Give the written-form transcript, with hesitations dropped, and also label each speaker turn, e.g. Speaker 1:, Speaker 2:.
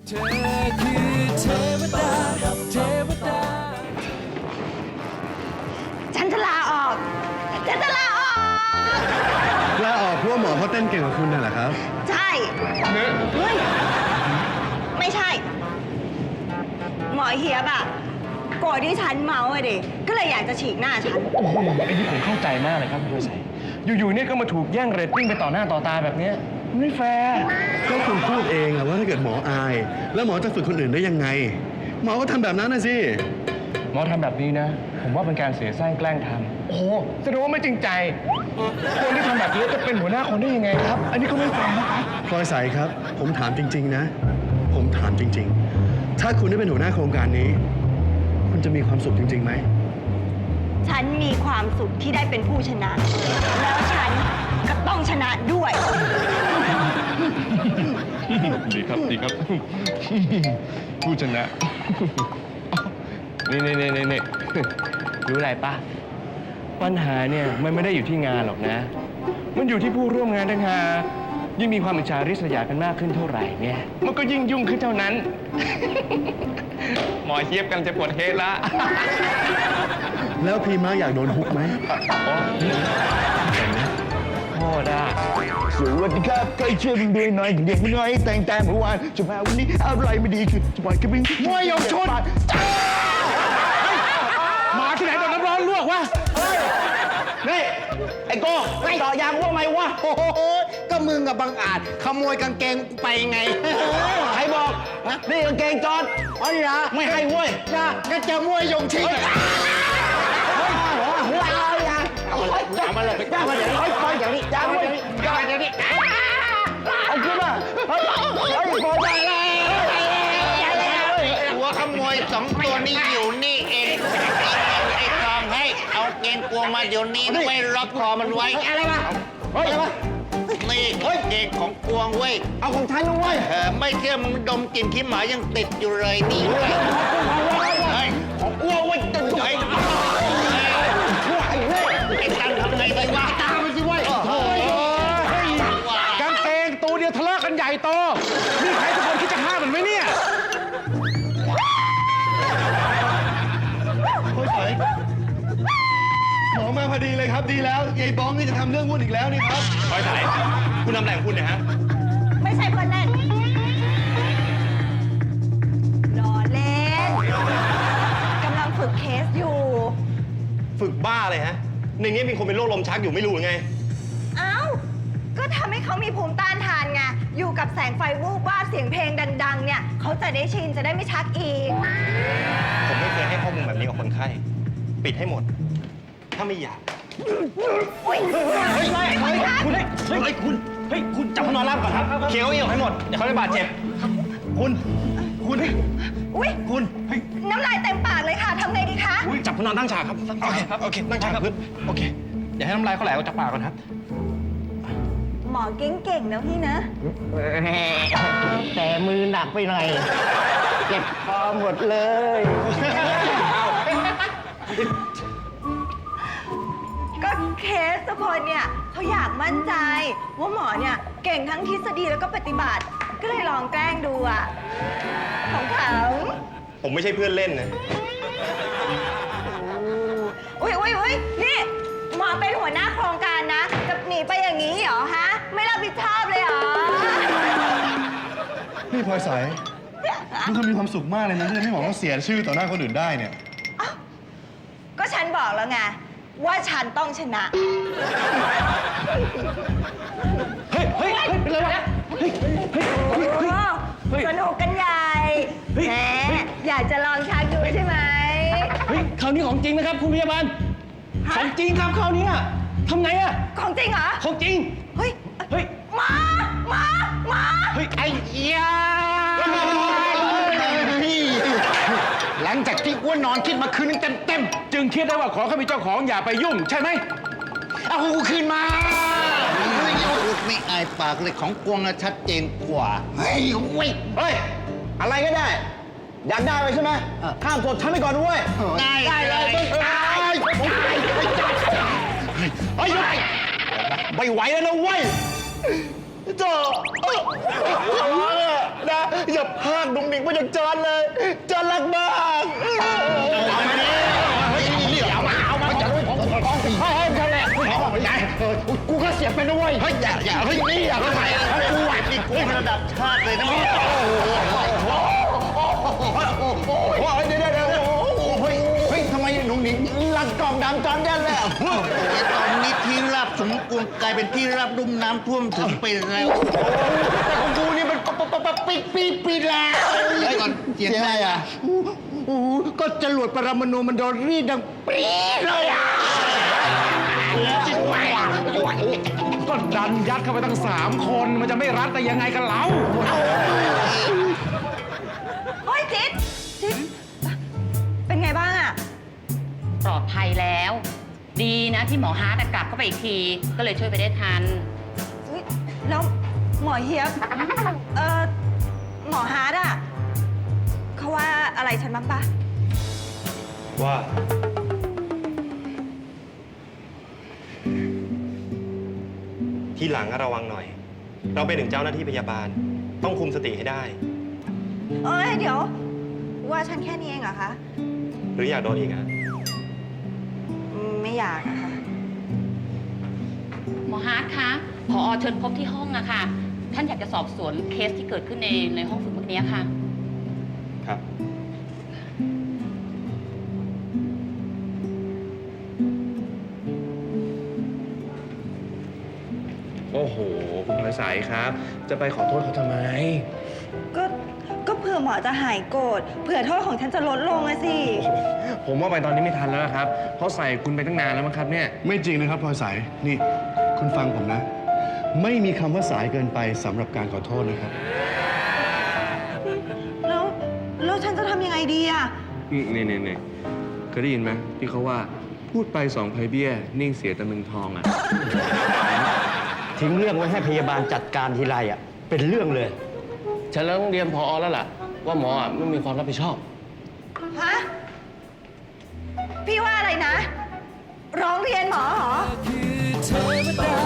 Speaker 1: เธอคือเทวดาเทวดา
Speaker 2: ฉันจะลาออก ฉันจะลาออก
Speaker 3: ลาออกเพราะว่าหมอเขาเต้นเก่งกว่าคุณน่ะเหรอครับ
Speaker 2: ใช่เฮ้ยไม่ใช่ หมอเฮียบอะโกรธที่ฉันเมาอะดิ ก็เลยอยากจะฉีกหน้าฉัน
Speaker 4: ไอ้นี่ผมเข้าใจมากเลยครับคุณดวงใสอยู่ๆเนี่ยก็มาถูกแย่งเรตติ้งไปต่อหน้าต่อตาแบบเนี้ยไม่แฟร์
Speaker 3: ก็คุณพูดเองอะว่าถ้าเกิดหมออาย แล้วหมอจะฝึกคนอื่นได้ยังไง หมอก็ทำแบบนั้นนะสิ
Speaker 4: หมอทำแบบนี้นะ ผมว่าเป็นการเสียสร้างแกล้งทำโอ้โหแสดงว่าไม่จริงใจคนที่ทำแบบนี้จะเป็นหัวหน้าคนได้ยังไงครับ อันนี้ก็ไม่แฟร์นะครับ
Speaker 3: พลอยใสครับ ผมถามจริง ๆ นะ ผมถามจริง ๆ ถ้าคุณได้เป็นหัวหน้าโครงการนี้ คุณจะมีความสุขจริงๆไหม
Speaker 2: ฉันมีความสุขที่ได้เป็นผู้ชนะ แล้วฉันก็ต้องชนะด้วย
Speaker 4: ดีครับดีครับ ผู้ชนะ นี่รู้อะไรปะปัญหาเนี่ยมันไม่ได้อยู่ที่งานหรอกนะ มันอยู่ที่ผู้ร่วมงานต่างหากยิ่งมีความอิจฉาริษยากันมากขึ้นเท่าไหร่เนี่ยมันก็ยิ่งยุ่งขึ้นเท่านั้น หมอเทียบกันจะปวดเฮดละ
Speaker 3: แล้วพีม้าอยากโดนฮุกไหม
Speaker 4: โทษอ่ะ
Speaker 5: สวัสดีครับใกล้เชื่อมึงด้วยหน่อยเด็กมึงน้อยแต่งแต่เมื่อวานจะมาวันนี้อะไรไม่ดีคือจะปล่อยกระบิงมวยยงชน
Speaker 4: หมาที่ไหนโดนน้ำร้อนลวกวะ
Speaker 5: นี่ไอ้โก้ไม่ต่อยางว่าไหมวะ
Speaker 6: โอ้โหก็มึงกับบังอาจขโมยกางเกงกูไปไง
Speaker 5: ใครบอกนี่กางเกงจอด
Speaker 6: อ๋อเหรอ
Speaker 5: ไม่ให้เว้ย
Speaker 6: จ้าก็จะมวยยงชิง
Speaker 5: เอามาเลยจ้ามาเดี๋ยวนี้ค่อยๆอย่างนี้จ้ามาเดี๋ยวนี้จ้ามาเดี๋ยวนี้เอาขึ้นมาเฮ้ยพอใจแล้ว
Speaker 6: หัวขโมยสองตัวนี้อยู่นี่เองไอ้ทองให้เอาเกงกวงมาเดี๋ยวนี้ไว้ล็อกคอมันไว้
Speaker 5: อะไรมาเฮ้ยอะไรมา
Speaker 6: นี่เกงของกวงเว้ย
Speaker 5: เอาของฉันนะเว้ย
Speaker 6: ไม่เชื่อมึงดมกลิ่นขี้หมายังติดอยู่เลยนี่เว้ยเฮ้ย
Speaker 5: ของอ้วเว้ยจะ
Speaker 6: เฮ้ย
Speaker 5: ไอ้เว้ย
Speaker 6: ไอ้กันทำไงดีวะ
Speaker 5: ตามไปสิเว้ย
Speaker 4: กางเกงตัวเดียวทะเลาะกันใหญ่โตนี่ใครทุกคนคิดจะห้ามมันไหมเนี่ย
Speaker 3: พลอยใสหมอมาพอดีเลยครับ ดีแล้วยายบ้องนี่จะทำเรื่องวุ่นอีกแล้วนี่ครับ
Speaker 4: คอยถ่ายคุณทำอะไรของคุณเนี่ยฮะ
Speaker 2: ไม่ใช่เพื่อนเล่นล้อเล่นกำลังฝึกเคสอยู่
Speaker 4: ฝึกบ้าเลยฮะ ในนี้มีคนเป็นโรคลมชักอยู่ไม่รู้ไง
Speaker 2: เอ้า ก็ทำให้เขามีภูมิต้านทานไง อยู่กับแสงไฟวูบวาบเสียงเพลงดัง ๆ เนี่ย เขาจะได้ชิน จะได้ไม่ชักอีก
Speaker 4: ผมไม่เคยให้ข้อมูลแบบนี้กับคนไข้ ปิดให้หมด ถ้าไม่อยาก
Speaker 2: อุ้ยเฮ้ย
Speaker 4: คุณจับเขานอนราบก่อนครับ เคี้ยวเอี่ยวให้หมด เดี๋ยวเขาจะบาดเจ็บ คุณ
Speaker 2: อุ้ยน้ำลายเต็มปากเลยค่ะ ทำไงดีคะ
Speaker 4: จับเขานอนตั้งฉากครับ โอเคครับ โอเค ตั้งฉากกับพื้นโอเค อย่าให้น้ำลายเขาไหลออกจากปากก่อนครับ
Speaker 2: หมอเก่งๆนะพี่นะ
Speaker 5: แต่มือหนักไปหน่อย เจ็บคอหมดเลย
Speaker 2: ก็เคสทุกคนเนี่ยเขาอยากมั่นใจ ว่าหมอเนี่ยเก่งทั้งทฤษฎีแล้วก็ปฏิบัติ ก็เลยลองแกล้งดูอ่ะ ของเขา
Speaker 4: ผมไม่ใช่เพื่อนเล่นนะ
Speaker 2: อุ้ยนี่หมอเป็นหัวหน้าโครงการนะ จะหนีไปอย่างนี้เหรอฮะ ไม่รับผิดชอบเลยเหรอ
Speaker 3: นี่พลอยใสดูเธอมีความสุขมากเลยนะที่ไม่บอกว่าเสียชื่อต่อหน้าคนอื่นได้เนี่ย
Speaker 2: ก็ฉันบอกแล้วไง ว่าฉันต้องชนะ
Speaker 4: เป็นไรวะ
Speaker 2: สนุกกันใหญ่แหมอยากจะลองชักดูใช่ไหม
Speaker 4: เฮ้ยคราวนี้ของจริงนะครับคุณพยาบาล ของจริงครับคราวนี้ทำไงอะ
Speaker 2: ของจริงเหรอ
Speaker 4: ของจริง
Speaker 2: เฮ้ย
Speaker 4: เฮ้ย
Speaker 2: มา
Speaker 4: เฮ้ย
Speaker 6: ไอ้ยาหลังจากที่อ้วนนอนคิดมาคืนนึงเต็ม
Speaker 4: จึงคิดได้ว่าของเขามีเจ้าของอย่าไปยุ่งใช่ไหม
Speaker 6: ๆเอากูคืนมาไม่อายปากเลยของกวงอะชัดเจนกว่า เฮ้ยเว้ย
Speaker 5: เฮ้ย อะไรก็ได้ อยากได้ไปใช่ไหมข้ามกดฉันไปก่อนด้วย
Speaker 6: ได้เลยตาย
Speaker 5: เฮ้ย ไม่ไหวแล้วนะเว้ยโจ้ขอร้องอะนะอย่าพากดุงดิงไปจากจอนเลยจอนรักมาก
Speaker 6: เอามาดิเฮ้ยนี่เอามาจะรู้ของ
Speaker 5: ให้นั่นแหละกูก็เสียเป็นด้วยเฮ้ยอย่าเฮ้ยนี่อย่า
Speaker 6: ทำไมอ่ะกูอ่ะนี่กูระดับชาติเลยนะมึง
Speaker 5: โอ้ยเดี๋ยวเฮ้ยทำไมหนุ่งหนิงรัดกล่องดำจอนแดนแล้ว
Speaker 6: ตอนนี้ที่ราบสมควรกลายเป็นที่ราบลุ่มน้ำท่วมถึงไปแล้ว
Speaker 5: แต่ของกูนี่มันปิดแล้ว
Speaker 6: ก่อนเสียงอะไรอ่ะ
Speaker 5: ก็จรวดปรมาณูมันโดนรีดดังปี๊ดเลยอ่ะก็ดันยัดเข้าไปตั้ง3 คนมันจะไม่รัดแต่ยังไงกันเล่า
Speaker 2: โอ๊ยจิ๊ดเป็นไงบ้างอะ
Speaker 7: ปลอดภัยแล้ว ดีนะที่หมอฮาร์ดกลับเข้าไปอีกที ก็เลยช่วยไปได้ทัน
Speaker 2: เฮ้ยแล้วหมอเฮียบหมอฮาร์ดอะเขาว่าอะไรฉันบ้างปะ
Speaker 3: ว่า
Speaker 8: ทีหลังก็ระวังหน่อย เราเป็นถึงเจ้าหน้าที่พยาบาล ต้องคุมสติให้ได้
Speaker 2: เอ้ยเดี๋ยวว่าฉันแค่นี้เองเหรอคะ
Speaker 8: หรืออยากโดนอีกอ่ะ
Speaker 2: ไม่อยากอะค่ะ
Speaker 7: หมอฮาร์ดคะผอเชิญพบที่ห้องอะค่ะ ท่านอยากจะสอบสวนเคสที่เกิดขึ้นในห้องฝึกเมื่อกี้ค่ะ
Speaker 8: ครับ
Speaker 4: โอ้โห คุณพลอยสายครับ จะไปขอโทษเขาทำไม
Speaker 2: ก็เผื่อหมอจะหายโกรธเผื่อโทษของฉันจะลดลงอะสิ
Speaker 4: ผมว่าไปตอนนี้ไม่ทันแล้วนะครับ เพราะใส่คุณไปตั้งนานแล้วมั้งครับเนี่ย
Speaker 3: ไม่จริงนะครับพลอยสายนี่ คุณฟังผมนะ ไม่มีคำว่าสายเกินไปสำหรับการขอโทษนะครับ
Speaker 2: แล้วฉันจะทำยังไงดีอะ
Speaker 4: เนี่ยเคยได้ยินไหมที่เขาว่าพูดไป2 ไพเบี้ย นิ่งเสียแต่มึงทองอ่ะ
Speaker 5: ทิ้งเรื่องไว้ให้พยาบาลจัดการทีไรอ่ะเป็นเรื่องเลย
Speaker 4: ฉันเริ่มเรียนพอแล้วล่ะ ว่าหมออ่ะไม่มีความรับผิดชอบ
Speaker 2: ฮะ พี่ว่าอะไรนะ ร้องเรียนหมอเหรอ
Speaker 1: คือเทวดา